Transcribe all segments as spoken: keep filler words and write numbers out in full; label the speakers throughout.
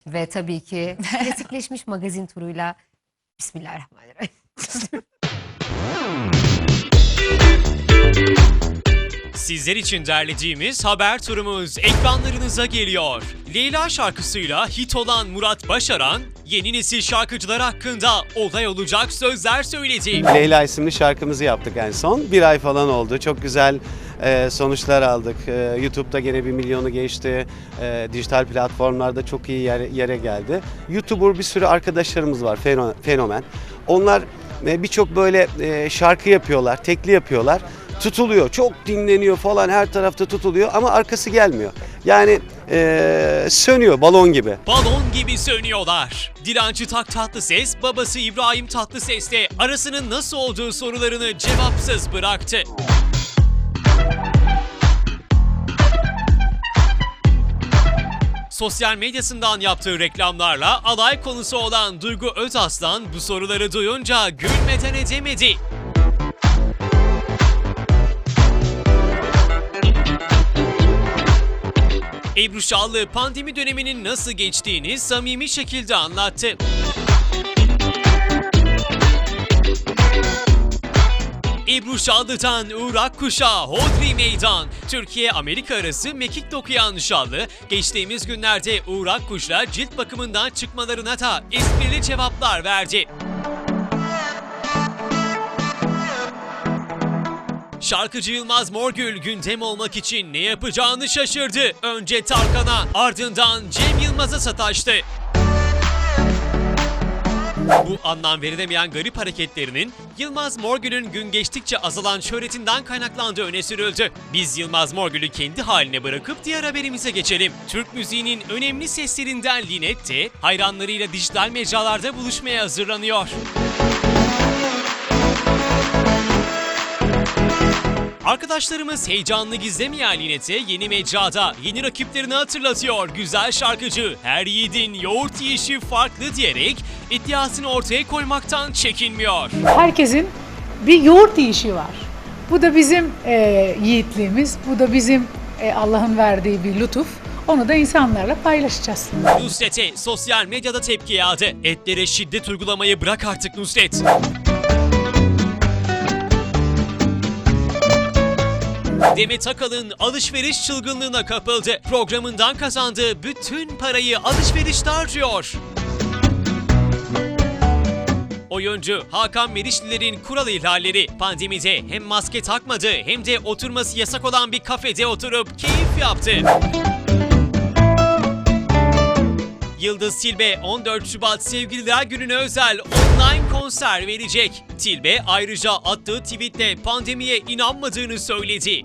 Speaker 1: Ve tabii ki klasikleşmiş magazin turuyla Bismillahirrahmanirrahim.
Speaker 2: Sizler için derlediğimiz haber turumuz ekranlarınıza geliyor. Leyla şarkısıyla hit olan Murat Başaran, yeni nesil şarkıcılar hakkında olay olacak sözler söyledi.
Speaker 3: Leyla isimli şarkımızı yaptık en son. Bir ay falan oldu. Çok güzel e, sonuçlar aldık. E, YouTube'da gene bir milyonu geçti. E, dijital platformlarda çok iyi yere, yere geldi. YouTuber bir sürü arkadaşlarımız var, feno, fenomen. Onlar e, birçok böyle e, şarkı yapıyorlar, tekli yapıyorlar. Tutuluyor, çok dinleniyor falan, her tarafta tutuluyor ama arkası gelmiyor. Yani e, sönüyor balon gibi.
Speaker 2: Balon gibi sönüyorlar. Dilancı Tak Tatlıses, babası İbrahim Tatlıses'le arasının nasıl olduğu sorularını cevapsız bıraktı. Sosyal medyasından yaptığı reklamlarla alay konusu olan Duygu Özaslan bu soruları duyunca gülmeden edemedi. Ebru Şallı pandemi döneminin nasıl geçtiğini samimi şekilde anlattı. Ebru Şallı'dan Uğur Akkuş'a Hodri Meydan. Türkiye-Amerika arası mekik dokuyan Şallı, geçtiğimiz günlerde Uğur Akkuş'la cilt bakımından çıkmalarına da esprili cevaplar verdi. Şarkıcı Yılmaz Morgül gündem olmak için ne yapacağını şaşırdı. Önce Tarkan'a, ardından Cem Yılmaz'a sataştı. Bu anlam verilemeyen garip hareketlerinin Yılmaz Morgül'ün gün geçtikçe azalan şöhretinden kaynaklandığı öne sürüldü. Biz Yılmaz Morgül'ü kendi haline bırakıp diğer haberimize geçelim. Türk müziğinin önemli seslerinden Linet de hayranlarıyla dijital mecralarda buluşmaya hazırlanıyor. Arkadaşlarımız heyecanlı gizlemeyen Linet'e yeni mecrada yeni rakiplerini hatırlatıyor güzel şarkıcı. Her yiğidin yoğurt yiyişi farklı diyerek iddiasını ortaya koymaktan çekinmiyor.
Speaker 4: Herkesin bir yoğurt yiyişi var. Bu da bizim e, yiğitliğimiz, bu da bizim e, Allah'ın verdiği bir lütuf. Onu da insanlarla paylaşacağız.
Speaker 2: Nusret'e sosyal medyada tepki yağdı. Etlere şiddet uygulamayı bırak artık Nusret. Demet Akalın alışveriş çılgınlığına kapıldı. Programından kazandığı bütün parayı alışverişte harcıyor. Oyuncu Hakan Merişliler'in kural ihlalleri pandemide hem maske takmadı hem de oturması yasak olan bir kafede oturup keyif yaptı. Yıldız Tilbe on dört Şubat Sevgililer Günü'ne özel online konser verecek. Tilbe ayrıca attığı tweetle pandemiye inanmadığını söyledi.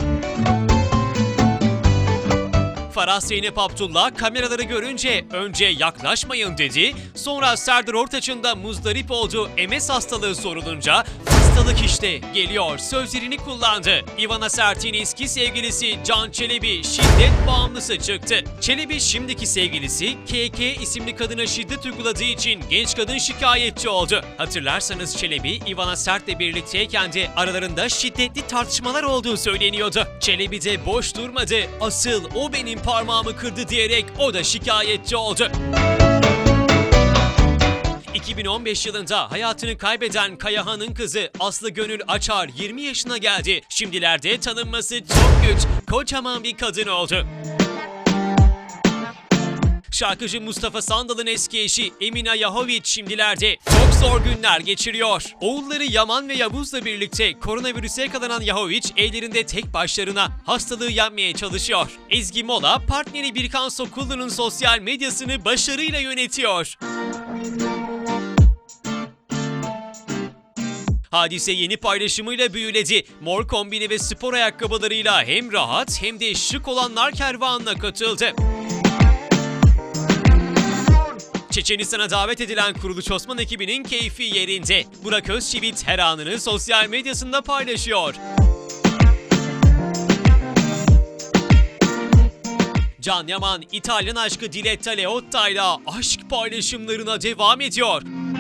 Speaker 2: Farah Zeynep Abdullah kameraları görünce önce yaklaşmayın dedi, sonra Serdar Ortaç'ın da muzdarip olduğu M S hastalığı sorulunca hastalık işte geliyor sözlerini kullandı. Ivana Sert'in eski sevgilisi Can Çelebi şiddet bağımlısı çıktı. Çelebi şimdiki sevgilisi K K isimli kadına şiddet uyguladığı için genç kadın şikayetçi oldu. Hatırlarsanız Çelebi Ivana Sert'le birlikteyken de aralarında şiddetli tartışmalar olduğu söyleniyordu. Çelebi de boş durmadı. Asıl o benim parmağımı kırdı diyerek o da şikayetçi oldu. iki bin on beş yılında hayatını kaybeden Kayahan'ın kızı Aslı Gönül Açar yirmi yaşına geldi. Şimdilerde tanınması çok güç, kocaman bir kadın oldu. Şarkıcı Mustafa Sandal'ın eski eşi Emina Yahoviç şimdilerde çok zor günler geçiriyor. Oğulları Yaman ve Yavuz'la birlikte koronavirüse yakalanan Yahoviç evlerinde tek başlarına hastalığı yenmeye çalışıyor. Ezgi Mola partneri Birkan Sokullu'nun sosyal medyasını başarıyla yönetiyor. Hadise yeni paylaşımıyla büyüledi. Mor kombini ve spor ayakkabılarıyla hem rahat hem de şık olanlar kervanına katıldı. Çeçenistan'a davet edilen Kuruluş Osman ekibinin keyfi yerinde. Burak Özçivit her anını sosyal medyasında paylaşıyor. Can Yaman, İtalyan aşkı Diletta Leotta ile aşk paylaşımlarına devam ediyor.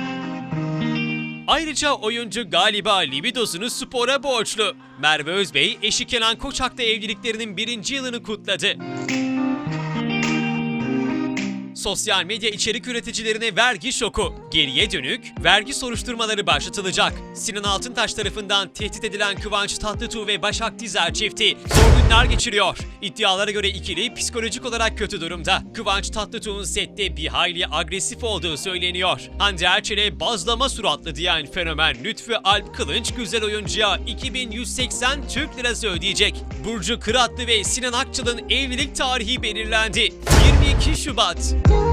Speaker 2: Ayrıca oyuncu galiba libidosunu spora borçlu. Merve Özbey, eşi Kenan Koçak'la evliliklerinin birinci yılını kutladı. sosyal medya içerik üreticilerine vergi şoku. Geriye dönük vergi soruşturmaları başlatılacak. Sinan Altıntaş tarafından tehdit edilen Kıvanç Tatlıtuğ ve Başak Dizer çifti zor günler geçiriyor. İddialara göre ikili psikolojik olarak kötü durumda. Kıvanç Tatlıtuğ'un sette bir hayli agresif olduğu söyleniyor. Hande Erçel'e bazlama suratlı diyen fenomen Lütfü Alp Kılınç güzel oyuncuya iki bin yüz seksen Türk Lirası ödeyecek. Burcu Kıratlı ve Sinan Akçıl'ın evlilik tarihi belirlendi. yirmi iki Şubat.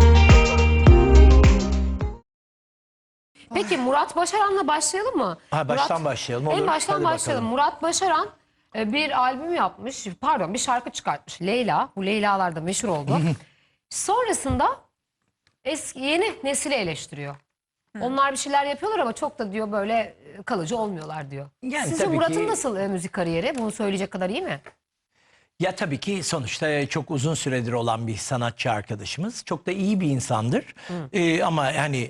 Speaker 1: Peki Murat Başaran'la başlayalım mı?
Speaker 5: Ha, baştan
Speaker 1: Murat,
Speaker 5: başlayalım, olur.
Speaker 1: En baştan
Speaker 5: Hadi
Speaker 1: başlayalım.
Speaker 5: bakalım.
Speaker 1: Murat Başaran e, bir albüm yapmış. Pardon bir şarkı çıkartmış. Leyla. Bu Leyla'lar da meşhur oldu. Sonrasında eski yeni nesili eleştiriyor. Onlar bir şeyler yapıyorlar ama çok da diyor böyle e, kalıcı olmuyorlar diyor.
Speaker 5: Yani
Speaker 1: Sizce
Speaker 5: tabii
Speaker 1: Murat'ın
Speaker 5: ki-
Speaker 1: nasıl e, müzik kariyeri? Bunu söyleyecek kadar iyi mi?
Speaker 5: Ya tabii ki sonuçta çok uzun süredir olan bir sanatçı arkadaşımız. Çok da iyi bir insandır. Ee, ama yani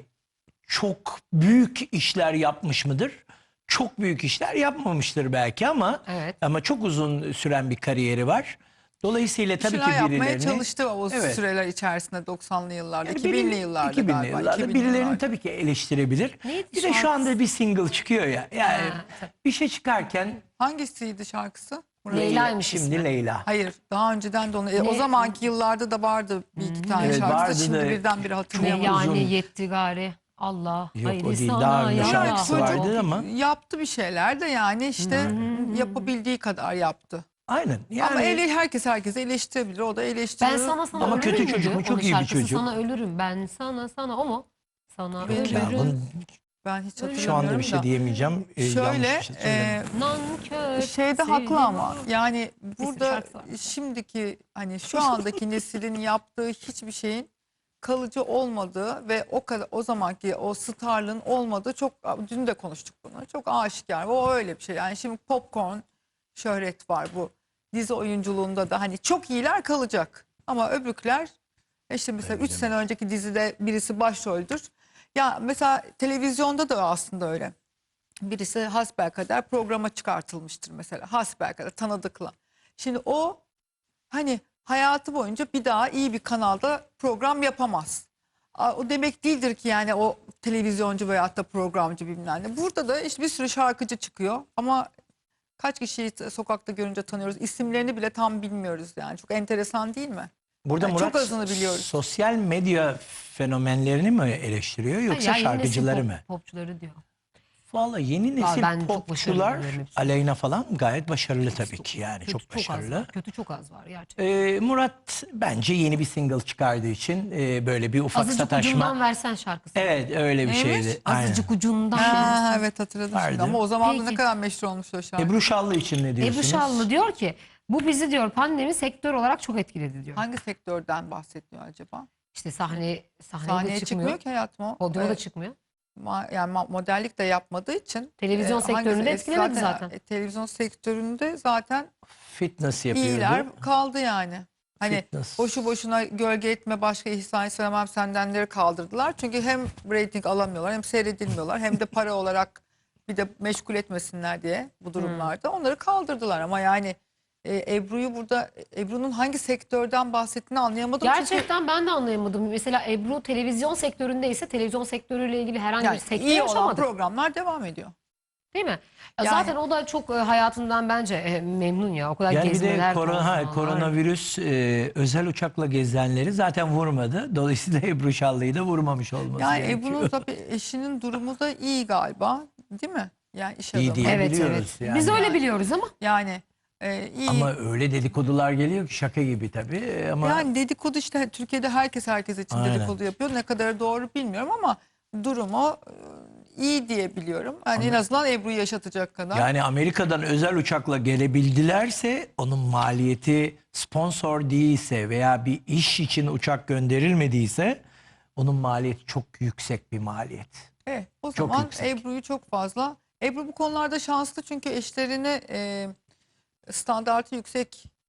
Speaker 5: çok büyük işler yapmış mıdır? Çok büyük işler yapmamıştır belki ama
Speaker 1: Evet.
Speaker 5: ama çok uzun süren bir kariyeri var. Dolayısıyla tabii
Speaker 6: Şeyler
Speaker 5: ki
Speaker 6: yapmaya
Speaker 5: birilerini
Speaker 6: çalıştı o
Speaker 5: Evet.
Speaker 6: süreler içerisinde doksanlı yıllarda,
Speaker 5: Yani
Speaker 6: iki binli
Speaker 5: biri-
Speaker 6: yıllarda
Speaker 5: iki binli
Speaker 6: galiba.
Speaker 5: yıllarda
Speaker 6: iki binli
Speaker 5: birilerini
Speaker 6: yıllarda.
Speaker 5: tabii ki eleştirebilir.
Speaker 1: Neydi
Speaker 5: Bir de şu
Speaker 1: şarkısı?
Speaker 5: anda bir single çıkıyor ya. Yani
Speaker 1: Ha, tabii.
Speaker 5: bir şey çıkarken
Speaker 6: Hangisiydi şarkısı? Murat?
Speaker 1: Leyla'ymış
Speaker 5: şimdi
Speaker 1: ismi.
Speaker 5: Leyla.
Speaker 6: Hayır, daha önceden de onu. e, o
Speaker 1: Ne?
Speaker 6: zamanki yıllarda da vardı bir iki tane
Speaker 5: Evet,
Speaker 6: şarkısı.
Speaker 5: vardı
Speaker 6: Şimdi
Speaker 5: da
Speaker 6: birdenbire
Speaker 1: Ne
Speaker 6: hatırlayamadım.
Speaker 5: uzun.
Speaker 1: yani yetti gari. Allah.
Speaker 5: Yok,
Speaker 1: haydi
Speaker 5: o değil.
Speaker 1: sana
Speaker 5: Daha önce
Speaker 1: ya.
Speaker 5: şarkısı
Speaker 6: Çocuk
Speaker 5: vardı ama.
Speaker 6: yaptı bir şeyler de yani işte yapabildiği kadar yaptı.
Speaker 5: Aynen. Yani
Speaker 6: Ama ele, herkes herkese eleştirebilir. O da eleştirir.
Speaker 1: Ben sana sana
Speaker 5: Ama
Speaker 1: ölürüm
Speaker 5: kötü çocuk
Speaker 1: dedi.
Speaker 5: mu? Çok
Speaker 1: Onun
Speaker 5: iyi bir
Speaker 1: şarkısı
Speaker 5: çocuk.
Speaker 1: Sana ölürüm. Ben sana sana o mu? Sana
Speaker 6: Yok
Speaker 1: ölürüm.
Speaker 5: ya, bunu
Speaker 6: Ben hiç hatırlamıyorum
Speaker 5: şu anda bir şey
Speaker 6: da.
Speaker 5: diyemeyeceğim. Ee,
Speaker 6: Şöyle
Speaker 5: yanlış bir şey söyleyeyim.
Speaker 6: e,
Speaker 1: Nankör.
Speaker 6: şeyde
Speaker 1: sevdim
Speaker 6: haklı ama
Speaker 1: onu.
Speaker 6: yani burada
Speaker 1: şarkısı var.
Speaker 6: şimdiki hani şu andaki neslin yaptığı hiçbir şeyin kalıcı olmadığı ve o kadar o zamanki o starlığın olmadığı çok, dün de konuştuk bunu, çok aşikar. O öyle bir şey yani. Şimdi popcorn şöhret var bu dizi oyunculuğunda da, hani çok iyiler kalacak ama öbürküler işte mesela üç sene önceki dizide birisi başroldür. Ya mesela televizyonda da aslında öyle. Birisi hasbelkader programa çıkartılmıştır mesela. Hasbelkader tanıdıkla. Şimdi o hani hayatı boyunca bir daha iyi bir kanalda program yapamaz. A- O demek değildir ki yani o televizyoncu veyahut da programcı bilmem ne. Burada da işte bir sürü şarkıcı çıkıyor ama kaç kişiyi t- sokakta görünce tanıyoruz. İsimlerini bile tam bilmiyoruz yani. Çok enteresan değil mi?
Speaker 5: Burada
Speaker 6: Yani
Speaker 5: Murat
Speaker 6: çok azını biliyoruz.
Speaker 5: sosyal medya fenomenlerini mi eleştiriyor yoksa
Speaker 1: Ya, yeni nesil
Speaker 5: şarkıcıları
Speaker 1: pop-
Speaker 5: mı?
Speaker 1: Popçuları diyor.
Speaker 5: Vallahi yeni nesil
Speaker 1: ben çok
Speaker 5: popçular
Speaker 1: başarılı buluyorum hepsini.
Speaker 5: Aleyna falan gayet başarılı tabii ki yani
Speaker 1: Kötü
Speaker 5: çok
Speaker 1: çok az
Speaker 5: başarılı.
Speaker 1: var. Kötü çok az var gerçekten.
Speaker 5: Ee, Murat bence yeni bir single çıkardığı için e, böyle bir ufak
Speaker 1: Azıcık
Speaker 5: sataşma.
Speaker 1: ucundan versen şarkısı.
Speaker 5: Evet öyle bir
Speaker 6: Neymiş?
Speaker 5: şeydi. Aynen.
Speaker 1: Azıcık ucundan.
Speaker 6: Ha, evet hatırladım
Speaker 5: Vardı.
Speaker 6: şimdi ama o zaman da ne
Speaker 1: Peki.
Speaker 6: kadar meşhur olmuş o şarkı.
Speaker 5: Ebru Şallı için ne diyorsunuz?
Speaker 1: Ebru Şallı diyor ki bu bizi diyor pandemi sektör olarak çok etkiledi diyor.
Speaker 6: Hangi sektörden bahsediyor acaba?
Speaker 1: İşte sahne sahneye,
Speaker 6: Sahneye
Speaker 1: de
Speaker 6: çıkmıyor
Speaker 1: çıkmıyor.
Speaker 6: ki hayatım o.
Speaker 1: Podyuma da
Speaker 6: Ee,
Speaker 1: çıkmıyor.
Speaker 6: ma- yani ma- modellik de yapmadığı için.
Speaker 1: Televizyon sektörünü de
Speaker 6: hangisi-
Speaker 1: etkilemedi zaten.
Speaker 6: e, televizyon sektöründe zaten
Speaker 5: Fitness yapıyordu.
Speaker 6: iyiler kaldı yani. Hani
Speaker 5: Fitness.
Speaker 6: boşu boşuna gölge etme başka ihsan istemem sendenleri kaldırdılar. Çünkü hem rating alamıyorlar hem seyredilmiyorlar hem de para olarak bir de meşgul etmesinler diye bu durumlarda. Onları kaldırdılar ama yani e, Ebru'yu burada Ebru'nun hangi sektörden bahsettiğini anlayamadım. Çünkü
Speaker 1: Gerçekten ben de anlayamadım. Mesela Ebru televizyon sektöründeyse televizyon sektörüyle ilgili herhangi
Speaker 6: yani
Speaker 1: bir sektör
Speaker 6: iyi olan
Speaker 1: yaşamadık.
Speaker 6: programlar devam ediyor.
Speaker 1: Değil mi? Ya
Speaker 6: Yani-
Speaker 1: Zaten o da çok e, hayatından bence e, memnun ya. O kadar
Speaker 5: Yani bir
Speaker 1: gezmeler.
Speaker 5: de korona, ha,
Speaker 1: konuşmalar.
Speaker 5: koronavirüs e, özel uçakla gezenleri zaten vurmadı. Dolayısıyla Ebru Şallı'yı da vurmamış olması
Speaker 6: Yani
Speaker 5: gerekiyor.
Speaker 6: Ebru'nun tabii eşinin durumu da iyi galiba, değil mi? Yani iş
Speaker 5: İyi
Speaker 6: adamı.
Speaker 5: değil.
Speaker 1: Evet
Speaker 5: Biliyoruz
Speaker 1: evet.
Speaker 5: yani.
Speaker 1: Biz öyle biliyoruz ama.
Speaker 6: Yani e, iyi.
Speaker 5: Ama öyle dedikodular geliyor ki şaka gibi tabii. E, Ama
Speaker 6: Yani dedikodu işte Türkiye'de herkes herkes için
Speaker 5: Aynen.
Speaker 6: dedikodu yapıyor. Ne kadar doğru bilmiyorum ama durumu e, iyi diye biliyorum. Yani en azından Ebru'yu yaşatacak kadar.
Speaker 5: yani Amerika'dan özel uçakla gelebildilerse onun maliyeti sponsor değilse veya bir iş için uçak gönderilmediyse onun maliyeti çok yüksek bir maliyet.
Speaker 6: Evet, o
Speaker 5: Çok
Speaker 6: zaman
Speaker 5: yüksek.
Speaker 6: Ebru'yu çok fazla. Ebru bu konularda şanslı çünkü eşlerini e, standartı yüksek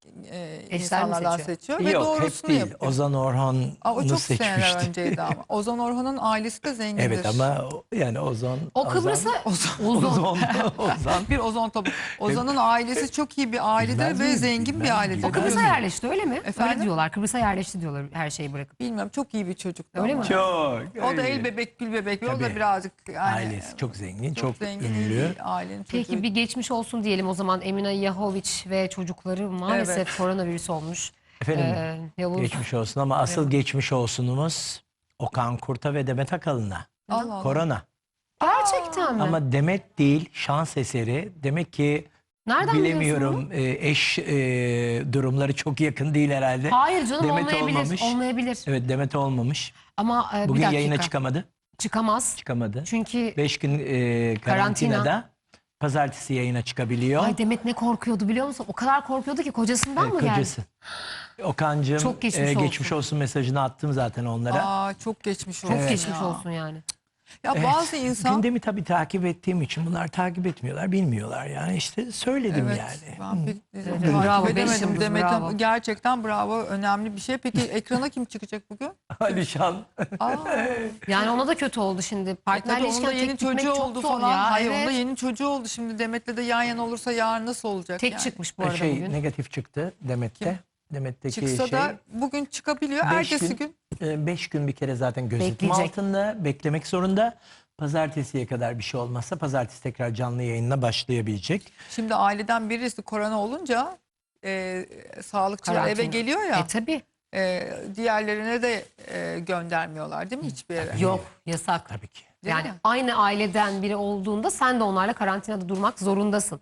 Speaker 6: e,
Speaker 1: mi
Speaker 6: insanlardan
Speaker 1: seçiyor?
Speaker 6: seçiyor ve
Speaker 5: Yok hep
Speaker 6: doğrusunu
Speaker 5: değil.
Speaker 6: yapıyor.
Speaker 5: Ozan Orhan'ı
Speaker 6: Aa, o çok seneler
Speaker 5: seçmişti.
Speaker 6: önceydi ama. Ozan Orhan'ın ailesi de zengindir.
Speaker 5: Evet ama o- yani Ozan...
Speaker 1: O Kıbrıs'a
Speaker 6: Ozan,
Speaker 1: Ozan.
Speaker 5: Ozan, Ozan.
Speaker 6: bir Ozan tabii. Ozan'ın ailesi çok iyi bir ailedir
Speaker 5: Bilmez
Speaker 6: ve
Speaker 5: miyim?
Speaker 6: zengin bir
Speaker 5: Bilmem,
Speaker 6: ailedir.
Speaker 5: bilmem.
Speaker 1: O Kıbrıs'a
Speaker 5: mi?
Speaker 1: yerleşti öyle mi?
Speaker 6: Efendim?
Speaker 1: Öyle diyorlar. Kıbrıs'a yerleşti diyorlar her şeyi bırakıp.
Speaker 6: Bilmiyorum, çok iyi bir çocuktu
Speaker 1: Öyle
Speaker 6: ama.
Speaker 1: mi?
Speaker 5: Çok.
Speaker 6: O da
Speaker 5: öyle.
Speaker 6: el bebek gül bebek ve o da
Speaker 5: Tabii.
Speaker 6: birazcık yani
Speaker 5: Ailesi çok zengin, çok,
Speaker 6: zengin iyi
Speaker 5: ünlü.
Speaker 6: bir ailenin
Speaker 1: Peki
Speaker 6: çocuğu.
Speaker 1: bir geçmiş olsun diyelim o zaman. Emine Yahoviç ve çocukları maalesef
Speaker 6: Evet.
Speaker 1: koronavirüs olmuş.
Speaker 5: Efendim
Speaker 1: Ee, Yavuz
Speaker 5: geçmiş olsun ama asıl geçmiş olsunumuz Okan Kurt'a ve Demet Akalın'a.
Speaker 6: Allah Allah.
Speaker 5: Korona.
Speaker 1: gerçekten mi?
Speaker 5: Ama Demet değil, şans eseri. Demek ki
Speaker 1: Nereden
Speaker 5: bilemiyorum e, eş e, durumları çok yakın değil herhalde.
Speaker 1: Hayır canım
Speaker 5: Demet
Speaker 1: olmayabilir.
Speaker 5: olmamış.
Speaker 1: Olmayabilir.
Speaker 5: Evet Demet olmamış.
Speaker 1: Ama e, bir
Speaker 5: Bugün
Speaker 1: dakika.
Speaker 5: yayına çıkamadı.
Speaker 1: Çıkamaz.
Speaker 5: Çıkamadı.
Speaker 1: Çünkü
Speaker 5: Beş gün e,
Speaker 1: Karantina.
Speaker 5: karantinada. Pazartesi yayına çıkabiliyor.
Speaker 1: ay Demet ne korkuyordu biliyor musun? O kadar korkuyordu ki kocasından
Speaker 5: Evet,
Speaker 1: mı geldi?
Speaker 5: kocası. Okan'cığım
Speaker 1: Çok geçmiş
Speaker 5: e,
Speaker 1: olsun.
Speaker 5: geçmiş olsun mesajını attım zaten onlara.
Speaker 6: Aa, çok geçmiş olsun.
Speaker 1: Çok geçmiş
Speaker 6: ya.
Speaker 1: olsun yani.
Speaker 6: Ya
Speaker 5: Evet,
Speaker 6: bazı insan
Speaker 5: gündemi tabii takip ettiğim için bunlar takip etmiyorlar, bilmiyorlar yani işte söyledim
Speaker 6: evet,
Speaker 5: yani.
Speaker 6: ben pek
Speaker 1: Evet,
Speaker 6: takip
Speaker 1: bravo, beş
Speaker 6: edemedim
Speaker 1: yıldız,
Speaker 6: Demet
Speaker 1: bravo.
Speaker 6: Hanım. Gerçekten bravo, önemli bir şey. Peki ekrana kim çıkacak bugün?
Speaker 5: Alişan.
Speaker 6: Aa,
Speaker 1: Yani ona da kötü oldu şimdi.
Speaker 6: e
Speaker 1: Partnerle
Speaker 6: tabii onun da
Speaker 1: ilişken
Speaker 6: yeni
Speaker 1: tek gitmek
Speaker 6: çocuğu
Speaker 1: çok
Speaker 6: oldu
Speaker 1: zor
Speaker 6: falan.
Speaker 1: ya.
Speaker 6: Hayır
Speaker 1: evet.
Speaker 6: onun da yeni çocuğu oldu. Şimdi Demet'le de yan yana olursa yarın nasıl olacak
Speaker 1: Tek
Speaker 6: yani?
Speaker 1: çıkmış bu arada
Speaker 5: şey
Speaker 1: bugün.
Speaker 5: negatif çıktı Demet'te.
Speaker 6: Kim?
Speaker 5: Demet'teki
Speaker 6: Çıksa
Speaker 5: şey
Speaker 6: da bugün çıkabiliyor.
Speaker 5: beş
Speaker 6: Ertesi
Speaker 5: gün-
Speaker 6: gün.
Speaker 5: e, beş gün bir kere zaten gözetim
Speaker 1: Bekleyecek.
Speaker 5: altında beklemek zorunda. Pazartesiye kadar bir şey olmazsa pazartesi tekrar canlı yayınına başlayabilecek.
Speaker 6: Şimdi aileden birisi korona olunca e, sağlıkçılar eve
Speaker 1: Karantina.
Speaker 6: geliyor ya.
Speaker 1: E tabii.
Speaker 6: e, diğerlerine de e, göndermiyorlar değil mi hiçbir yere?
Speaker 1: Yok yasak.
Speaker 5: Tabii ki.
Speaker 6: Değil
Speaker 1: Yani
Speaker 6: mi?
Speaker 1: aynı aileden biri olduğunda sen de onlarla karantinada durmak zorundasın.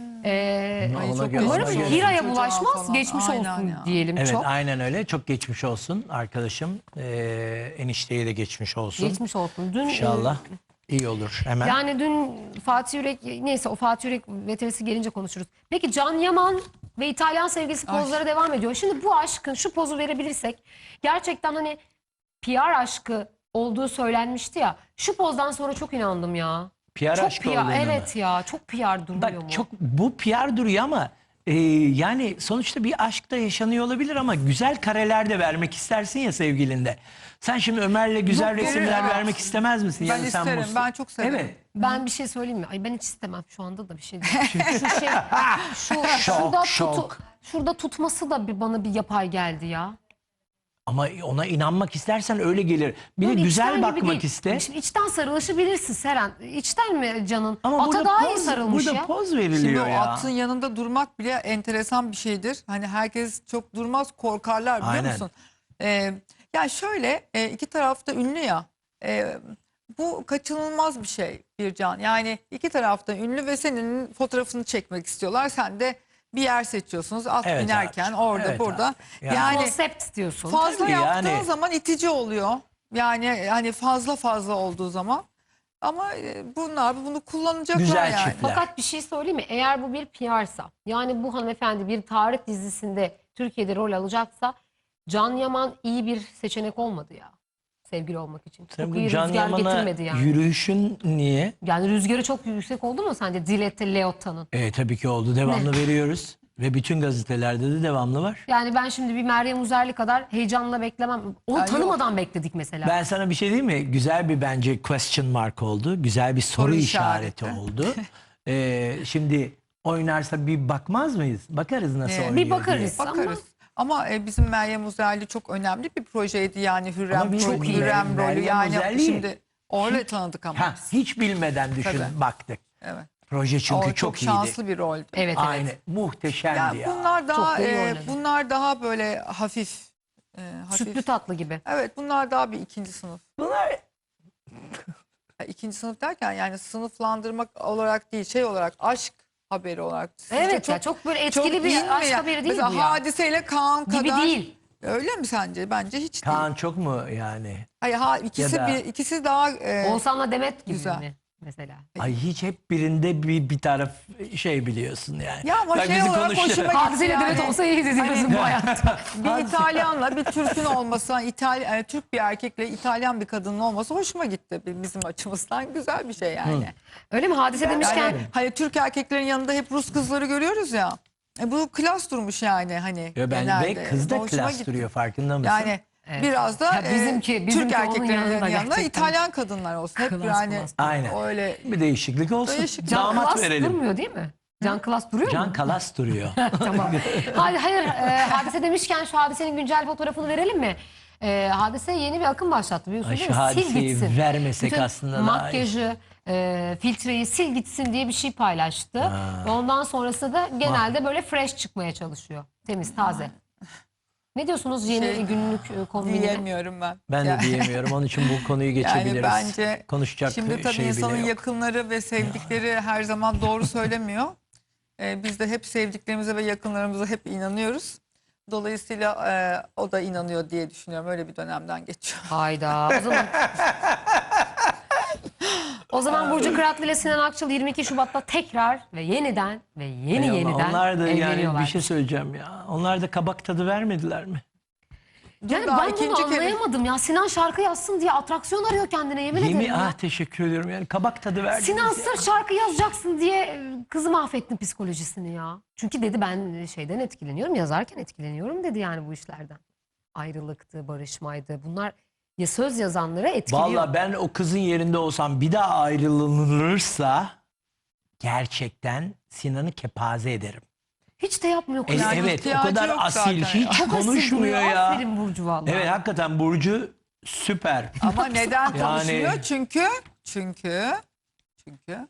Speaker 1: Ee,
Speaker 5: Ama
Speaker 6: Ay,
Speaker 5: ona
Speaker 6: çok
Speaker 5: göre-
Speaker 1: umarım
Speaker 5: ona göre-
Speaker 1: Hira'ya
Speaker 6: Çocuğa
Speaker 1: bulaşmaz,
Speaker 6: falan.
Speaker 1: geçmiş
Speaker 6: Aynen
Speaker 1: olsun
Speaker 6: ya.
Speaker 1: diyelim
Speaker 5: Evet
Speaker 1: çok.
Speaker 5: aynen öyle. Çok geçmiş olsun arkadaşım. Ee, enişteye de geçmiş olsun.
Speaker 1: Geçmiş olsun. Dün
Speaker 5: İnşallah iyi olur hemen.
Speaker 1: Yani dün Fatih Yürek, neyse o Fatih Yürek veterisi gelince konuşuruz. Peki Can Yaman ve İtalyan sevgilisi
Speaker 6: Ay.
Speaker 1: pozları devam ediyor. Şimdi bu aşkın şu pozu verebilirsek gerçekten hani P R aşkı olduğu söylenmişti ya. Şu pozdan sonra çok inandım ya.
Speaker 5: P R
Speaker 1: Çok
Speaker 5: aşkı
Speaker 1: P R,
Speaker 5: olduğunu mu?
Speaker 1: evet ya çok P R durmuyor mu?
Speaker 5: Bak çok bu P R duruyor ama e, yani sonuçta bir aşk da yaşanıyor olabilir ama güzel kareler de vermek istersin ya sevgilinde. Sen şimdi Ömer'le güzel
Speaker 6: Yok,
Speaker 5: resimler
Speaker 6: evet.
Speaker 5: vermek istemez misin?
Speaker 6: Ben
Speaker 5: Yani sen
Speaker 6: isterim,
Speaker 5: mutlu-
Speaker 6: ben çok severim.
Speaker 5: Evet.
Speaker 1: Ben bir şey söyleyeyim mi? Ay ben hiç istemem şu anda da bir şey değil. şu şey şu
Speaker 5: Şok,
Speaker 1: şurada tutu-
Speaker 5: şok.
Speaker 1: şurada tutması da bir bana bir yapay geldi ya.
Speaker 5: Ama ona inanmak istersen öyle gelir. Bir de
Speaker 1: Böyle
Speaker 5: güzel
Speaker 1: içten gibi
Speaker 5: bakmak
Speaker 1: değil.
Speaker 5: iste.
Speaker 1: Şimdi içten sarılışı bilirsin Seren. İçten mi canın?
Speaker 5: Ama
Speaker 1: Ata
Speaker 5: burada
Speaker 1: daha iyi
Speaker 5: poz,
Speaker 1: sarılmış
Speaker 5: burada
Speaker 1: ya.
Speaker 5: poz
Speaker 6: Şimdi
Speaker 5: veriliyor
Speaker 6: o
Speaker 5: ya.
Speaker 6: atın yanında durmak bile enteresan bir şeydir. Hani herkes çok durmaz, korkarlar biliyor
Speaker 5: Aynen.
Speaker 6: musun? Ee, ya şöyle e, iki tarafta ünlü ya. E, bu kaçınılmaz bir şey Bircan. Yani iki tarafta ünlü ve senin fotoğrafını çekmek istiyorlar. Sen de bir yer seçiyorsunuz at
Speaker 5: Evet
Speaker 6: binerken
Speaker 5: abi.
Speaker 6: orada
Speaker 5: Evet
Speaker 6: burada.
Speaker 5: abi. Yani-
Speaker 6: Yani
Speaker 1: Konsept diyorsun.
Speaker 6: fazla
Speaker 5: Tabii
Speaker 6: yaptığın
Speaker 5: yani.
Speaker 6: zaman itici oluyor. Yani hani fazla fazla olduğu zaman. Ama e, bunlar bunu kullanacaklar
Speaker 5: Güzel
Speaker 6: yani.
Speaker 5: çiftler.
Speaker 1: Fakat bir şey söyleyeyim mi? Eğer bu bir P R'sa yani bu hanımefendi bir tarih dizisinde Türkiye'de rol alacaksa Can Yaman iyi bir seçenek olmadı ya. Sevgili olmak için.
Speaker 5: Sen
Speaker 1: Çok
Speaker 5: bu
Speaker 1: iyi
Speaker 5: Can
Speaker 1: rüzgar
Speaker 5: Yaman'a
Speaker 1: getirmedi yani.
Speaker 5: yürüyüşün niye?
Speaker 1: Yani rüzgarı çok yüksek oldu mu sence Dilette Leotta'nın?
Speaker 5: E, tabii ki oldu. Devamlı veriyoruz. Ve bütün gazetelerde de devamlı var.
Speaker 1: Yani ben şimdi bir Meryem Uzerli kadar heyecanla beklemem. Onu
Speaker 6: Ya
Speaker 1: tanımadan bekledik mesela.
Speaker 5: Ben sana bir şey diyeyim mi? Güzel bir bence question mark oldu. Güzel bir soru,
Speaker 6: Soru
Speaker 5: işareti,
Speaker 6: işareti.
Speaker 5: oldu. Ee, şimdi oynarsa bir bakmaz mıyız? Bakarız nasıl
Speaker 6: Evet.
Speaker 5: oynuyor
Speaker 1: Bir bakarız.
Speaker 5: diye.
Speaker 6: Bakarız. Ama e, bizim Meryem Uzerli çok önemli bir projeydi yani Hürrem,
Speaker 5: Ama biz
Speaker 6: çok
Speaker 5: çok
Speaker 6: Hürrem
Speaker 5: iyi.
Speaker 6: rolü
Speaker 5: Meryem
Speaker 6: yani
Speaker 5: Uzerli'yi
Speaker 6: şimdi öyle tanıdık ama.
Speaker 5: Ha, hiç bilmeden düşün
Speaker 6: Tabii.
Speaker 5: baktık.
Speaker 6: Evet.
Speaker 5: Proje çünkü
Speaker 6: O
Speaker 5: çok,
Speaker 6: çok
Speaker 5: iyiydi.
Speaker 6: şanslı bir roldü.
Speaker 1: Evet
Speaker 5: Aynı.
Speaker 1: evet.
Speaker 5: Muhteşemdi
Speaker 6: Ya
Speaker 5: ya.
Speaker 6: bunlar daha
Speaker 1: Çok da iyi
Speaker 6: e,
Speaker 1: oynadı.
Speaker 6: bunlar daha böyle hafif e, hafif.
Speaker 1: Sütlü tatlı gibi.
Speaker 6: Evet bunlar daha bir ikinci sınıf.
Speaker 5: Bunlar
Speaker 6: Ya, ikinci sınıf derken yani sınıflandırmak olarak değil şey olarak aşk haberi olarak. Sizce
Speaker 1: Evet ya çok böyle etkili
Speaker 6: değil mi
Speaker 1: bir aşk
Speaker 6: ya?
Speaker 1: haberi değil
Speaker 6: Mesela
Speaker 1: bu ya.
Speaker 6: Hadiseyle Kaan
Speaker 1: Gibi
Speaker 6: kadar.
Speaker 1: değil.
Speaker 6: Öyle mi sence? Bence hiç
Speaker 5: Kaan
Speaker 6: değil.
Speaker 5: çok mu yani?
Speaker 6: Hayır ha, ikisi
Speaker 5: Ya da-
Speaker 6: bir ikisi daha e,
Speaker 1: Oğuzhan'la Demet gibi
Speaker 6: Güzel.
Speaker 1: mi mesela?
Speaker 5: Ay hiç hep birinde bir, bir taraf şey biliyorsun yani.
Speaker 6: Ya ama
Speaker 5: Bak
Speaker 6: şey
Speaker 5: bizi
Speaker 6: olarak
Speaker 5: konuştu.
Speaker 6: hoşuma gitti
Speaker 1: Hadiseyle
Speaker 6: yani.
Speaker 1: Demet olsa iyiydi diyorsun bu hayatta.
Speaker 6: Bir İtalyanla bir Türk'ün olması, İtalyan, yani Türk bir erkekle İtalyan bir kadının olması hoşuma gitti bizim açımızdan. Güzel bir şey yani.
Speaker 1: Öyle mi? Hadise demişken
Speaker 6: Yani hani Türk erkeklerin yanında hep Rus kızları görüyoruz ya. E, bu klas durmuş yani hani
Speaker 5: Ya ben
Speaker 6: genelde.
Speaker 5: ve kız da
Speaker 6: Hoşuma
Speaker 5: klas
Speaker 6: gitti.
Speaker 5: duruyor, farkında mısın?
Speaker 6: Yani
Speaker 1: Evet.
Speaker 6: biraz da
Speaker 1: Ya
Speaker 6: e,
Speaker 1: bizimki- bizimki
Speaker 6: Türk
Speaker 1: onun
Speaker 6: erkeklerinin
Speaker 1: yanında
Speaker 6: yanında
Speaker 1: gerçekten.
Speaker 6: İtalyan kadınlar olsun. Hep
Speaker 1: Klas,
Speaker 6: yani
Speaker 1: klas.
Speaker 5: Aynen.
Speaker 6: öyle
Speaker 5: Bir değişiklik olsun.
Speaker 6: Değişiklik.
Speaker 1: Can
Speaker 5: Damat
Speaker 1: Klas
Speaker 5: verelim.
Speaker 1: durmuyor değil mi? Can Klas duruyor
Speaker 5: Can
Speaker 1: mu?
Speaker 5: Kalas duruyor.
Speaker 1: Tamam. Hayır, hayır. E, hadise demişken şu Hadise'nin güncel fotoğrafını verelim mi? E, Hadise yeni bir akım başlattı biliyorsun
Speaker 5: Ay,
Speaker 1: değil
Speaker 5: şu
Speaker 1: mi? Sil
Speaker 5: Hadise'yi
Speaker 1: gitsin.
Speaker 5: vermesek
Speaker 1: Bütün
Speaker 5: aslında daha iyi.
Speaker 1: makyajı, e, filtreyi sil gitsin diye bir şey paylaştı. Ve ondan sonrasında da genelde böyle fresh çıkmaya çalışıyor. Temiz, taze. Ne diyorsunuz yeni
Speaker 6: Şey,
Speaker 1: günlük e, kombinine?
Speaker 6: diyemiyorum ben.
Speaker 5: Ben de
Speaker 6: Yani-
Speaker 5: diyemiyorum. Onun için bu konuyu geçebiliriz.
Speaker 6: Yani bence
Speaker 5: Konuşacak
Speaker 6: şimdi tabii
Speaker 5: şey
Speaker 6: insanın
Speaker 5: bile yok.
Speaker 6: yakınları ve sevdikleri her zaman doğru söylemiyor. Ee, biz de hep sevdiklerimize ve yakınlarımıza hep inanıyoruz. Dolayısıyla e, o da inanıyor diye düşünüyorum. Öyle bir dönemden geçiyor.
Speaker 1: Hayda. O zaman O zaman Burcu Kıratlı ile Sinan Akçıl yirmi iki Şubat'ta tekrar ve yeniden ve yeni
Speaker 5: Ay ama
Speaker 1: yeniden
Speaker 5: onlar da yani
Speaker 1: evleniyorlar.
Speaker 5: bir şey söyleyeceğim ya. Onlar da kabak tadı vermediler mi?
Speaker 1: Yani
Speaker 6: Daha
Speaker 1: ben bunu
Speaker 6: ikinci kere-
Speaker 1: anlayamadım ya. Sinan şarkı yazsın diye atraksiyon arıyor kendine yemin ederim
Speaker 5: Yemin
Speaker 1: ya.
Speaker 5: ah teşekkür ediyorum yani kabak tadı verdiniz
Speaker 1: Sinan
Speaker 5: ya.
Speaker 1: sırf şarkı yazacaksın diye e, kızı mahvettin psikolojisini ya. Çünkü dedi ben şeyden etkileniyorum, yazarken etkileniyorum dedi yani bu işlerden. Ayrılıktı, barışmaydı. Bunlar ya söz yazanları etkiliyor.
Speaker 5: Vallahi ben o kızın yerinde olsam bir daha ayrılırsa gerçekten Sinan'ı kepaze ederim.
Speaker 1: Hiç de yapmıyor
Speaker 5: E,
Speaker 1: kız.
Speaker 6: Yani
Speaker 5: evet o
Speaker 6: ihtiyacı
Speaker 5: kadar
Speaker 6: yok
Speaker 5: asil
Speaker 6: zaten
Speaker 5: hiç
Speaker 6: ya.
Speaker 1: Çok asil
Speaker 5: konuşmuyor
Speaker 1: duruyor.
Speaker 5: ya.
Speaker 1: Aferin Burcu vallahi.
Speaker 5: Evet hakikaten Burcu süper.
Speaker 6: Ama neden
Speaker 5: Yani-
Speaker 6: konuşmuyor? Çünkü çünkü çünkü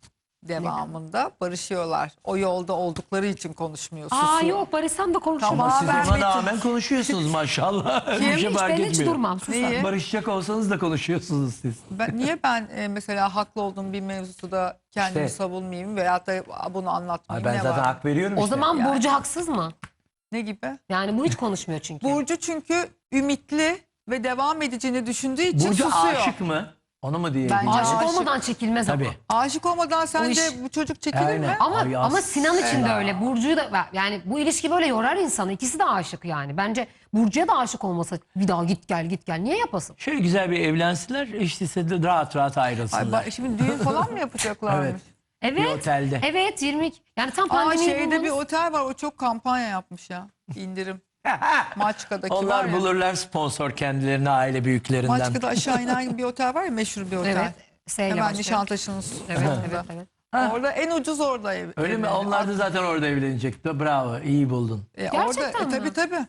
Speaker 6: devamında barışıyorlar. O yolda oldukları için konuşmuyor.
Speaker 1: Aa
Speaker 6: Susuyor.
Speaker 1: yok barışsam da konuşurum.
Speaker 6: Tamam.
Speaker 5: Siz
Speaker 6: ben
Speaker 5: ona
Speaker 6: Metin-
Speaker 5: rağmen konuşuyorsunuz maşallah.
Speaker 6: Kim?
Speaker 5: Bir şey
Speaker 1: Hiç
Speaker 5: fark
Speaker 1: ben hiç
Speaker 5: etmiyor.
Speaker 1: durmam. Sus
Speaker 6: Neyi?
Speaker 1: sen.
Speaker 5: Barışacak olsanız da konuşuyorsunuz siz.
Speaker 6: Ben, niye ben e, mesela haklı olduğum bir mevzuda kendimi
Speaker 5: İşte.
Speaker 6: savunmayayım veyahut da bunu
Speaker 5: Ay
Speaker 6: anlatmayayım?
Speaker 5: ben
Speaker 6: ne
Speaker 5: zaten
Speaker 6: var?
Speaker 5: hak veriyorum
Speaker 1: O
Speaker 5: işte.
Speaker 1: zaman
Speaker 6: Yani.
Speaker 1: Burcu haksız mı?
Speaker 6: Ne gibi?
Speaker 1: Yani bu hiç konuşmuyor çünkü.
Speaker 6: Burcu çünkü ümitli ve devam edeceğini düşündüğü için
Speaker 5: Burcu
Speaker 6: susuyor.
Speaker 5: aşık mı? Onu mu diyelim?
Speaker 6: Bence
Speaker 1: Aşık
Speaker 6: aşık.
Speaker 1: olmadan çekilmez
Speaker 5: Tabii.
Speaker 1: ama.
Speaker 6: Aşık olmadan
Speaker 1: O
Speaker 6: sence
Speaker 1: iş-
Speaker 6: bu çocuk çekilir
Speaker 5: Aynen.
Speaker 6: mi?
Speaker 1: Ama
Speaker 5: Ay
Speaker 1: ama Sinan için de
Speaker 5: asla.
Speaker 1: öyle. Burcu'yu da yani bu ilişki böyle yorar insanı. İkisi de aşık yani. Bence Burcu'ya da aşık olmasa bir daha git gel git gel. Niye yapasın?
Speaker 5: Şöyle güzel bir evlensinler, işte de rahat rahat
Speaker 6: Ay,
Speaker 5: ayrılsınlar.
Speaker 6: ba- şimdi düğün falan mı yapacaklarmış?
Speaker 5: Evet.
Speaker 1: Evet.
Speaker 5: otelde.
Speaker 1: Evet yirmi yani tam
Speaker 6: Aa
Speaker 1: pandemiyi
Speaker 6: şeyde bir
Speaker 1: bulduğumuz-
Speaker 6: otel var, o çok kampanya yapmış ya. İndirim. Maçka'daki var
Speaker 5: Onlar
Speaker 6: ya.
Speaker 5: bulurlar sponsor kendilerine, aile büyüklerinden.
Speaker 6: Maçka'da aşağı inen bir otel var ya, meşhur bir otel.
Speaker 1: Evet. S ile
Speaker 6: Hemen
Speaker 1: başlayan.
Speaker 6: Nişantaşı'nın
Speaker 1: Evet,
Speaker 6: sonunda.
Speaker 1: evet, evet.
Speaker 6: Orada en ucuz orada ev.
Speaker 5: Öyle mi?
Speaker 6: evleri.
Speaker 5: Onlar da zaten orada evlenecekti. Bravo, iyi buldun.
Speaker 6: E,
Speaker 1: Gerçekten
Speaker 6: orada, e,
Speaker 1: mi?
Speaker 6: tabii tabii.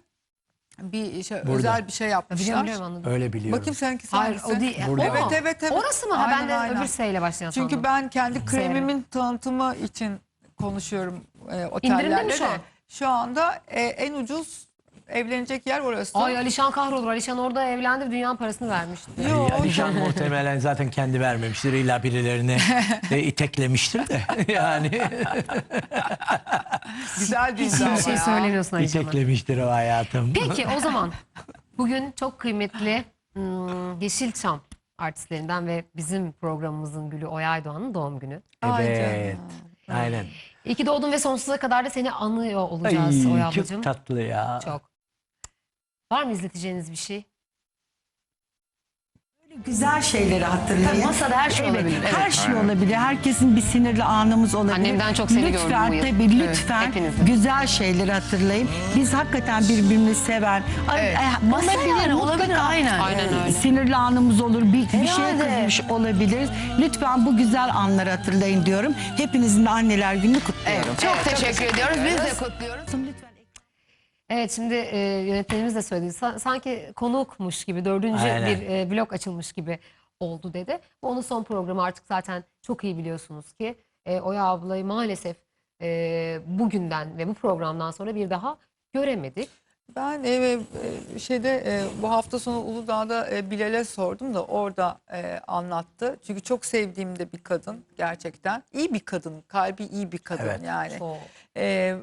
Speaker 6: Bir şey,
Speaker 5: Burada.
Speaker 6: özel bir şey yapmışlar.
Speaker 1: Biliyorum biliyorum anladım.
Speaker 5: Öyle biliyorum.
Speaker 6: Bakayım seninki
Speaker 1: Hayır
Speaker 6: hangisi?
Speaker 1: o değil.
Speaker 5: Burada.
Speaker 1: O
Speaker 6: Evet
Speaker 1: mu?
Speaker 6: evet evet.
Speaker 1: Orası mı? Ha, ben
Speaker 6: Aynen,
Speaker 1: de
Speaker 6: aynen.
Speaker 1: öbür S ile başlayan
Speaker 6: Çünkü
Speaker 1: sandım.
Speaker 6: ben kendi kremimin tanıtımı için konuşuyorum e,
Speaker 1: İndirimde mi
Speaker 6: otellerde
Speaker 1: şu
Speaker 6: de.
Speaker 1: an?
Speaker 6: Şu anda e, en ucuz evlenecek yer orası.
Speaker 1: Ay Alişan kahrolur. Alişan orada evlendi dünyanın parasını vermişti.
Speaker 6: Yo,
Speaker 5: Yani Alişan muhtemelen zaten kendi vermemiştir. İlla birilerini e, iteklemiştir de. Yani
Speaker 6: güzel bir
Speaker 1: Hiç iyi
Speaker 6: ama
Speaker 1: bir şey
Speaker 6: ya.
Speaker 1: söylemiyorsun Alişan'a.
Speaker 5: iteklemiştir o hayatım.
Speaker 1: Peki o zaman bugün çok kıymetli hmm, Yeşilçam artistlerinden ve bizim programımızın gülü Oya Aydoğan'ın doğum günü.
Speaker 6: Ay
Speaker 5: Evet.
Speaker 6: canım.
Speaker 5: Aynen.
Speaker 1: İyi ki doğdun ve sonsuza kadar da seni anıyor olacağız Oya
Speaker 5: Ay,
Speaker 1: ablacığım.
Speaker 5: çok tatlı ya.
Speaker 1: Çok. Var mı izleteceğiniz bir şey?
Speaker 7: Güzel şeyleri hatırlayın.
Speaker 1: Masada her şey olabilir. Evet.
Speaker 7: Her şey olabilir. Herkesin bir sinirli anımız olabilir.
Speaker 1: Annemden çok seni
Speaker 7: lütfen,
Speaker 1: gördüm bu yıl.
Speaker 7: Tabii
Speaker 1: Evet,
Speaker 7: lütfen
Speaker 1: hepinizin.
Speaker 7: güzel şeyleri hatırlayın. Biz hakikaten birbirimizi seven.
Speaker 1: Evet.
Speaker 7: e,
Speaker 1: Olabilir,
Speaker 7: mesela
Speaker 1: olabilir,
Speaker 7: mutlaka,
Speaker 1: aynen. Aynen öyle.
Speaker 7: Sinirli anımız olur. Bir, bir şeye
Speaker 1: Herhalde.
Speaker 7: kızmış olabiliriz. Lütfen bu güzel anları hatırlayın diyorum. Hepinizin de anneler gününü kutluyorum.
Speaker 1: Çok teşekkür ediyoruz. Biz de
Speaker 7: kutluyoruz. Lütfen.
Speaker 1: Evet şimdi e, yönetmenimiz de söyledi. Sa- sanki konukmuş gibi dördüncü
Speaker 5: Aynen.
Speaker 1: bir e, blok açılmış gibi oldu dedi. Bu onun son programı artık zaten çok iyi biliyorsunuz ki e, Oya ablayı maalesef e, bugünden ve bu programdan sonra bir daha göremedik.
Speaker 6: Ben e, e, şeyde e, bu hafta sonu Uludağ'da e, Bilal'e sordum da orada e, anlattı. Çünkü çok sevdiğim de bir kadın gerçekten. İyi bir kadın, kalbi iyi bir kadın
Speaker 5: Evet.
Speaker 6: yani.
Speaker 1: Çok.
Speaker 6: E,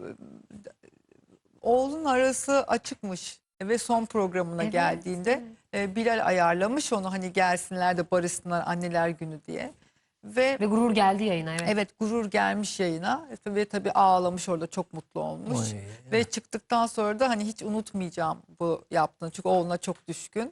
Speaker 6: oğlun arası açıkmış ve son programına
Speaker 1: Evet,
Speaker 6: geldiğinde e, Bilal ayarlamış onu, hani gelsinler de barışsınlar anneler günü diye. Ve
Speaker 1: Ve gurur geldi yayına. Evet.
Speaker 6: evet, gurur gelmiş yayına ve tabii ağlamış orada, çok mutlu olmuş.
Speaker 5: Oy.
Speaker 6: Ve çıktıktan sonra da hani hiç unutmayacağım bu yaptığını, çünkü oğluna çok düşkün.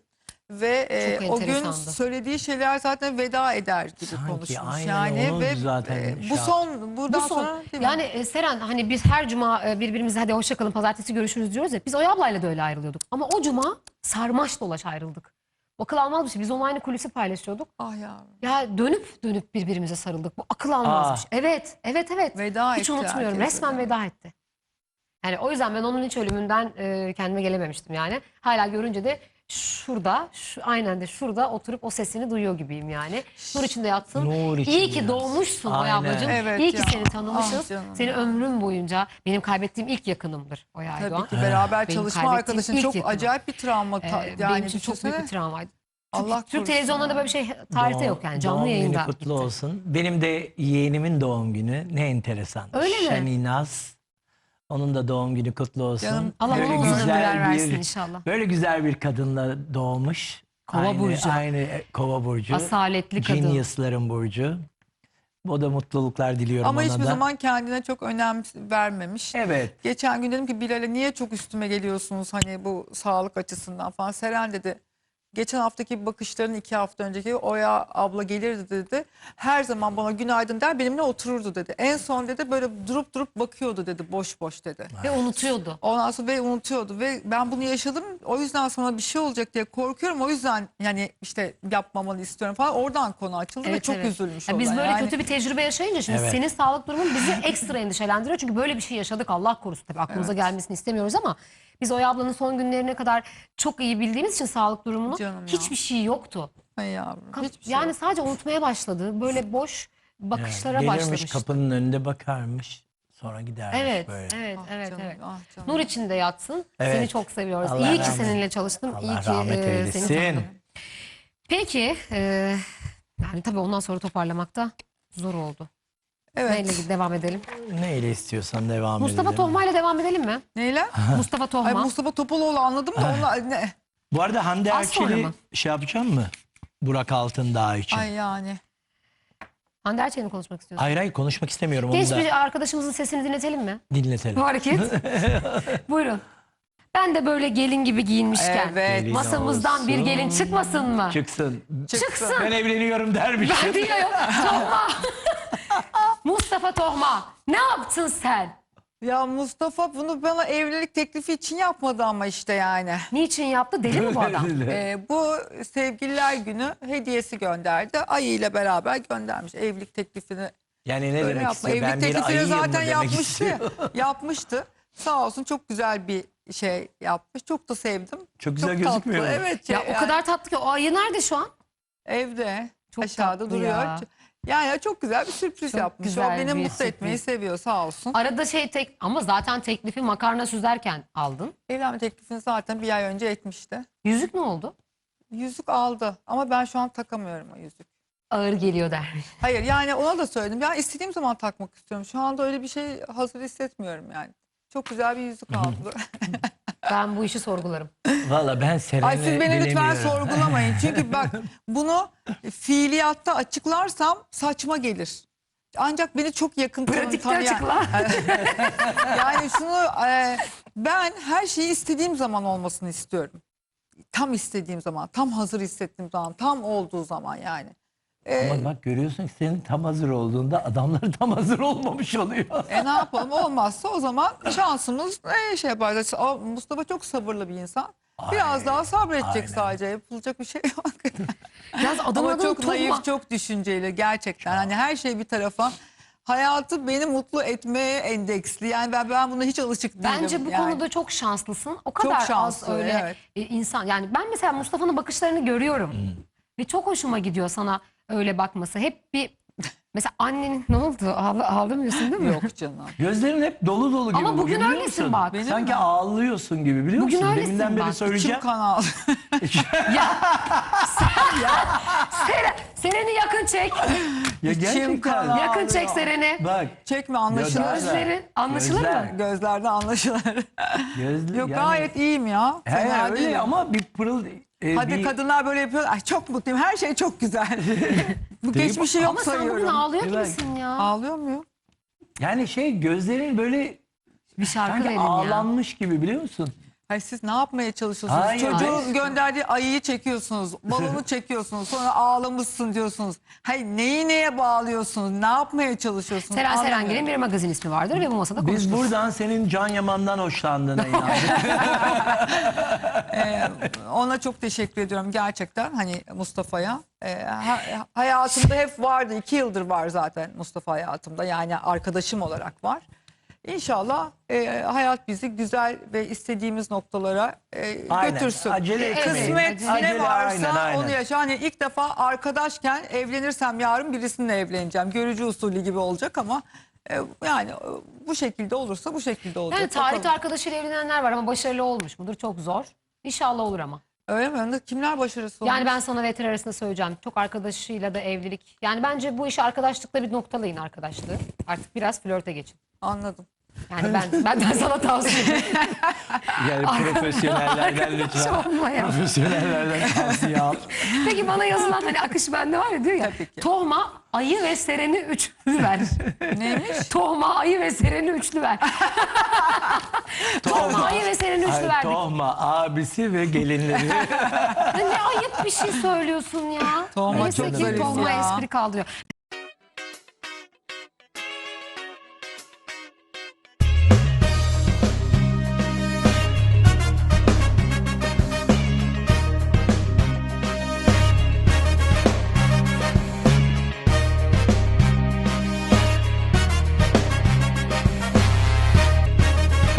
Speaker 6: ve e,
Speaker 1: Çok
Speaker 6: o gün
Speaker 1: enteresandı.
Speaker 6: söylediği şeyler zaten veda eder gibi
Speaker 5: Sanki
Speaker 6: konuşmuş.
Speaker 5: aynen
Speaker 6: Yani
Speaker 5: onu
Speaker 6: ve
Speaker 5: zaten
Speaker 6: e,
Speaker 5: şey
Speaker 6: bu
Speaker 5: yap-
Speaker 6: son buradan
Speaker 1: Bu son.
Speaker 6: sonra değil mi?
Speaker 1: Yani e, Seren hani biz her cuma e, birbirimize hadi hoşça kalın pazartesi görüşürüz diyoruz ya. Biz Oya ablayla da öyle ayrılıyorduk. Ama o cuma sarmaş dolaş ayrıldık. Akıl almaz bir şey. Biz onun aynı kulisi paylaşıyorduk.
Speaker 6: Ah yavrum.
Speaker 1: Ya dönüp dönüp birbirimize sarıldık. Bu akıl almaz
Speaker 5: Aa.
Speaker 1: bir şey. Evet, evet, evet.
Speaker 6: Veda
Speaker 1: Hiç
Speaker 6: etti
Speaker 1: unutmuyorum.
Speaker 6: herkese.
Speaker 1: Resmen veda etti. Yani o yüzden ben onun hiç ölümünden e, kendime gelememiştim yani. Hala görünce de şurada, şu, aynen de şurada oturup o sesini duyuyor gibiyim yani. Nur içinde yatsın.
Speaker 5: Nur
Speaker 1: İyi
Speaker 5: içinde
Speaker 1: ki
Speaker 5: yatsın.
Speaker 1: doğmuşsun Oya
Speaker 5: Aynen.
Speaker 1: ablacığım.
Speaker 6: Evet
Speaker 1: İyi ki
Speaker 6: ya.
Speaker 1: seni tanımışız.
Speaker 6: Ah canım
Speaker 1: Seni
Speaker 6: ya.
Speaker 1: ömrüm boyunca benim kaybettiğim ilk yakınımdır Oya
Speaker 6: Tabii
Speaker 1: Aydoğan.
Speaker 6: ki beraber
Speaker 1: Benim
Speaker 6: çalışma
Speaker 1: kaybettiğim
Speaker 6: arkadaşın
Speaker 1: ilk
Speaker 6: çok
Speaker 1: yakınım.
Speaker 6: acayip bir travma. ta-
Speaker 1: Ee,
Speaker 6: yani
Speaker 1: benim için çok büyük bir
Speaker 6: düşünsene.
Speaker 1: travmaydı.
Speaker 6: Allah
Speaker 1: Türk
Speaker 6: korusun
Speaker 1: televizyonlarında
Speaker 6: ya.
Speaker 1: böyle bir şey tarihte
Speaker 5: Doğum-
Speaker 1: yok yani canlı
Speaker 5: doğum
Speaker 1: yayında.
Speaker 5: günü kutlu
Speaker 1: gitti.
Speaker 5: olsun. Benim de yeğenimin doğum günü. Ne enteresan.
Speaker 1: Öyle mi?
Speaker 5: Şeninaz. Onun da doğum günü kutlu olsun.
Speaker 6: Canım,
Speaker 1: Allah
Speaker 5: Böyle
Speaker 1: ona uzun
Speaker 5: güzel
Speaker 1: ömürler versin
Speaker 5: bir-
Speaker 1: inşallah.
Speaker 5: Böyle güzel bir kadınla doğmuş.
Speaker 1: Kova
Speaker 5: aynı,
Speaker 1: burcu.
Speaker 5: Aynı e, kova burcu.
Speaker 1: Asaletli kadın.
Speaker 5: Genius'ların burcu. O da mutluluklar diliyorum
Speaker 6: Ama
Speaker 5: ona
Speaker 6: hiçbir
Speaker 5: da.
Speaker 6: zaman kendine çok önem vermemiş.
Speaker 5: Evet.
Speaker 6: Geçen gün dedim ki Bilal'e niye çok üstüme geliyorsunuz hani bu sağlık açısından falan. Seren dedi geçen haftaki bakışların iki hafta önceki Oya abla gelirdi dedi. Her zaman bana günaydın der benimle otururdu dedi. En son dedi böyle durup durup bakıyordu dedi boş boş dedi.
Speaker 1: Ve unutuyordu.
Speaker 6: Ondan sonra ve unutuyordu ve ben bunu yaşadım. O yüzden sana bir şey olacak diye korkuyorum. O yüzden yani işte yapmamanı istiyorum falan. Oradan konu açıldı ve çok üzülmüş
Speaker 1: Ya
Speaker 6: o
Speaker 1: biz
Speaker 6: da.
Speaker 1: böyle
Speaker 6: Yani
Speaker 1: kötü bir tecrübe yaşayınca şimdi
Speaker 5: Evet.
Speaker 1: senin sağlık durumun bizi ekstra endişelendiriyor. Çünkü böyle bir şey yaşadık Allah korusun. Tabii aklımıza gelmesini istemiyoruz ama biz Oya ablanın son günlerine kadar çok iyi bildiğimiz için sağlık durumunu
Speaker 6: Canım ya.
Speaker 1: hiçbir şey yoktu.
Speaker 6: Ay yavrum,
Speaker 1: Kap-
Speaker 6: hiçbir şey
Speaker 1: yani
Speaker 6: yok.
Speaker 1: sadece unutmaya başladı. Böyle boş bakışlara
Speaker 5: Gelirmiş
Speaker 1: başlamıştı.
Speaker 5: kapının önünde bakarmış. Sonra gidermiş
Speaker 1: Evet,
Speaker 5: böyle.
Speaker 1: evet,
Speaker 6: Ah
Speaker 1: evet,
Speaker 6: canım,
Speaker 1: evet.
Speaker 6: ah canım.
Speaker 1: Nur içinde yatsın.
Speaker 5: Evet.
Speaker 1: Seni çok seviyoruz.
Speaker 5: Allah
Speaker 1: İyi ki
Speaker 5: rahmet-
Speaker 1: seninle çalıştım.
Speaker 5: Allah
Speaker 1: İyi ki
Speaker 5: rahmet
Speaker 1: e,
Speaker 5: eylesin.
Speaker 1: seni tanıdım. Peki, e, yani tabii ondan sonra toparlamak da zor oldu.
Speaker 6: Evet.
Speaker 1: Neyle devam edelim?
Speaker 5: Neyle istiyorsan devam
Speaker 1: Mustafa
Speaker 5: edelim.
Speaker 1: Tohma ile devam edelim mi?
Speaker 6: Neyle?
Speaker 1: Mustafa Tohma.
Speaker 6: Ay Mustafa Topaloğlu anladım da onlar ne?
Speaker 5: Bu arada Hande
Speaker 1: Az sonra
Speaker 5: Erçel'i
Speaker 1: mı?
Speaker 5: şey yapacağım mı? Burak Altındağ için.
Speaker 6: Ay yani.
Speaker 1: Hande Erçel'le mi konuşmak istiyorsun?
Speaker 5: Hayır hayır konuşmak istemiyorum.
Speaker 1: Genç
Speaker 5: Onu da
Speaker 1: bir arkadaşımızın sesini dinletelim mi?
Speaker 5: dinletelim.
Speaker 1: Bu hareket. Buyurun. Ben de böyle gelin gibi giyinmişken.
Speaker 6: Evet.
Speaker 5: Gelin
Speaker 1: Masamızdan bir
Speaker 5: olsun.
Speaker 1: gelin çıkmasın mı?
Speaker 5: Çıksın.
Speaker 1: Çıksın.
Speaker 5: Ben evleniyorum dermişim.
Speaker 1: Ben diyorum. Tohma. Mustafa Tohma. Ne yaptın sen?
Speaker 6: Ya Mustafa bunu bana evlilik teklifi için yapmadı ama işte yani.
Speaker 1: Niçin yaptı? Deli mi bu adam?
Speaker 6: Ee, bu sevgililer günü hediyesi gönderdi. Ayı ile beraber göndermiş evlilik teklifini.
Speaker 5: Yani ne
Speaker 6: Öyle
Speaker 5: demek
Speaker 6: yapma.
Speaker 5: istiyor?
Speaker 6: Evlilik
Speaker 5: Ben bir
Speaker 6: teklifini
Speaker 5: ayıyım mı
Speaker 6: zaten
Speaker 5: demek
Speaker 6: yapmıştı.
Speaker 5: istiyor?
Speaker 6: ya, yapmıştı. Sağ olsun çok güzel bir şey yapmış. Çok da sevdim.
Speaker 5: Çok güzel
Speaker 6: tatlı.
Speaker 5: gözükmüyor mu?
Speaker 6: Evet.
Speaker 1: Ya
Speaker 6: yani
Speaker 1: o kadar tatlı ki. O ayı nerede şu an?
Speaker 6: evde
Speaker 1: Çok
Speaker 6: aşağıda
Speaker 1: tatlı
Speaker 6: duruyor.
Speaker 1: ya.
Speaker 6: Yani çok güzel bir sürpriz
Speaker 1: Çok
Speaker 6: yapmış. O
Speaker 1: güzel
Speaker 6: beni
Speaker 1: bir
Speaker 6: mutlu
Speaker 1: sürpriz.
Speaker 6: etmeyi seviyor sağ olsun.
Speaker 1: Arada şey tek ama zaten teklifi makarna süzerken aldın.
Speaker 6: Evlenme teklifini zaten bir ay önce etmişti.
Speaker 1: Yüzük ne oldu?
Speaker 6: Yüzük aldı ama ben şu an takamıyorum o yüzük.
Speaker 1: Ağır geliyor dermiş.
Speaker 6: Hayır yani ona da söyledim. Ya istediğim zaman takmak istiyorum. Şu anda öyle bir şey hazır hissetmiyorum yani. Çok güzel bir yüzük aldı.
Speaker 1: Ben bu işi sorgularım.
Speaker 5: Valla ben Seren'e
Speaker 6: Ay siz beni lütfen
Speaker 5: bilemiyorum.
Speaker 6: sorgulamayın. Çünkü bak bunu fiiliyatta açıklarsam saçma gelir. Ancak beni çok yakın tanı-
Speaker 1: Pratikte
Speaker 6: tanıyan...
Speaker 1: açıkla.
Speaker 6: Yani şunu e, ben her şeyi istediğim zaman olmasını istiyorum. Tam istediğim zaman, tam hazır hissettiğim zaman, tam olduğu zaman yani. E,
Speaker 5: Ama bak görüyorsun ki senin tam hazır olduğunda adamlar tam hazır olmamış oluyor.
Speaker 6: E ne yapalım olmazsa o zaman şansımız ne şey yaparız. O Mustafa çok sabırlı bir insan. Biraz
Speaker 5: Ay,
Speaker 6: daha sabredecek
Speaker 5: aynen.
Speaker 6: sadece. Yapılacak bir şey yok.
Speaker 1: Yalnız adamın
Speaker 6: Ama
Speaker 1: adını
Speaker 6: çok
Speaker 1: Tohma.
Speaker 6: naif, çok düşünceli gerçekten. Hani her şey bir tarafa. Hayatı beni mutlu etmeye endeksli. Yani ben ben buna hiç alışık değilim.
Speaker 1: Bence bu
Speaker 6: yani.
Speaker 1: konuda çok şanslısın. O kadar az
Speaker 6: şanslı,
Speaker 1: öyle
Speaker 6: evet.
Speaker 1: e, insan. Yani ben mesela Mustafa'nın bakışlarını görüyorum. Ve çok hoşuma gidiyor sana öyle bakması. Hep bir mesela annenin ne oldu? Ağla, ağlamıyorsun değil mi?
Speaker 6: Yok canım.
Speaker 5: Gözlerin hep dolu dolu gibi.
Speaker 1: Ama bugün
Speaker 5: biliyor
Speaker 1: öylesin
Speaker 5: musun?
Speaker 1: bak.
Speaker 6: Benim
Speaker 5: Sanki
Speaker 6: mi?
Speaker 5: ağlıyorsun gibi biliyor
Speaker 1: Bugün
Speaker 5: musun?
Speaker 1: öylesin
Speaker 5: Deminden beri
Speaker 1: bak.
Speaker 5: söyleyeceğim.
Speaker 6: İçim kanal.
Speaker 1: Ya sen ya Seren, Seren'i yakın çek.
Speaker 5: Ya
Speaker 6: İçim
Speaker 5: gerçekten.
Speaker 6: kan
Speaker 1: Yakın çek
Speaker 6: ağlıyor.
Speaker 1: Seren'i.
Speaker 5: Bak.
Speaker 6: Çekme anlaşılır.
Speaker 5: Gözler-
Speaker 1: Gözlerin anlaşılır
Speaker 5: Gözler.
Speaker 1: mı?
Speaker 6: Gözlerden anlaşılır.
Speaker 5: Gözlü,
Speaker 6: Yok
Speaker 5: yani-
Speaker 6: gayet iyiyim ya.
Speaker 5: He,
Speaker 6: Fena
Speaker 5: öyle
Speaker 6: değilim.
Speaker 5: ama bir pırıl. e,
Speaker 6: Hadi
Speaker 5: bir,
Speaker 6: kadınlar böyle yapıyor. Ay çok mutluyum. Her şey çok güzel. Bu
Speaker 5: Değil mi?
Speaker 6: geçmişi yok
Speaker 1: Ama sen
Speaker 6: sayıyorum.
Speaker 1: bugün ağlıyor
Speaker 5: Evet.
Speaker 1: gibisin ya.
Speaker 6: Ağlıyor muyum?
Speaker 5: Yani şey gözlerin böyle
Speaker 1: Bir şarkı
Speaker 5: sanki
Speaker 1: verin ya.
Speaker 5: ağlanmış gibi biliyor musun?
Speaker 6: Hayır, siz ne yapmaya çalışıyorsunuz?
Speaker 5: Hayır,
Speaker 6: Çocuğun
Speaker 5: hayır.
Speaker 6: gönderdiği ayıyı çekiyorsunuz. Balonu çekiyorsunuz. Sonra ağlamışsın diyorsunuz. Hayır, neyi neye bağlıyorsunuz? Ne yapmaya çalışıyorsunuz?
Speaker 1: Seren
Speaker 6: Anlamıyorum.
Speaker 1: Serengil'in bir magazin ismi vardır ve bu masada
Speaker 5: Biz
Speaker 1: konuşuruz.
Speaker 5: buradan senin Can Yaman'dan hoşlandığına inandık.
Speaker 6: Ee, ona çok teşekkür ediyorum gerçekten, hani Mustafa'ya. Ee, ha- hayatımda hep vardı. iki yıldır var zaten Mustafa hayatımda. Yani arkadaşım olarak var. İnşallah e, hayat bizi güzel ve istediğimiz noktalara e,
Speaker 5: Aynen.
Speaker 6: götürsün.
Speaker 5: Acele etmeyin.
Speaker 6: Kısmet
Speaker 5: Acele,
Speaker 6: ne varsa
Speaker 5: aynen, aynen.
Speaker 6: onu yaşa. Hani ilk defa arkadaşken evlenirsem yarın birisininle evleneceğim. Görücü usulü gibi olacak ama e, yani e, bu şekilde olursa bu şekilde olacak.
Speaker 1: Yani tarihte
Speaker 6: Bakalım.
Speaker 1: arkadaşıyla evlenenler var ama başarılı olmuş mudur? Çok zor. İnşallah olur ama.
Speaker 6: Öyle mi? Kimler başarısı olmuş?
Speaker 1: Yani ben sana ve Eter arasında söyleyeceğim. Çok arkadaşıyla da evlilik. Yani bence bu işi arkadaşlıkla bir noktalayın arkadaşlığı. Artık biraz flörte geçin.
Speaker 6: Anladım.
Speaker 1: Yani ben benden sana tavsiye ederim.
Speaker 5: Yani profesyonellerden lütfen.
Speaker 1: Olmaya.
Speaker 5: Profesyonellerden tavsiye al.
Speaker 1: Peki bana yazılan hani akış bende var ya, diyor ya.
Speaker 6: Tabii ki.
Speaker 1: Tohma, ayı ve sereni üçlü ver.
Speaker 6: Neymiş?
Speaker 1: Tohma, ayı ve sereni üçlü ver. Tohma, ayı ve sereni üçlü
Speaker 5: Ay,
Speaker 1: verdik.
Speaker 5: Tohma abisi ve gelinleri.
Speaker 1: Ya ne ayıp bir şey söylüyorsun ya.
Speaker 6: Tohma
Speaker 1: Neyse
Speaker 6: çok
Speaker 1: ki
Speaker 6: zarif
Speaker 1: tohma
Speaker 6: ya.
Speaker 1: espri kaldırıyor.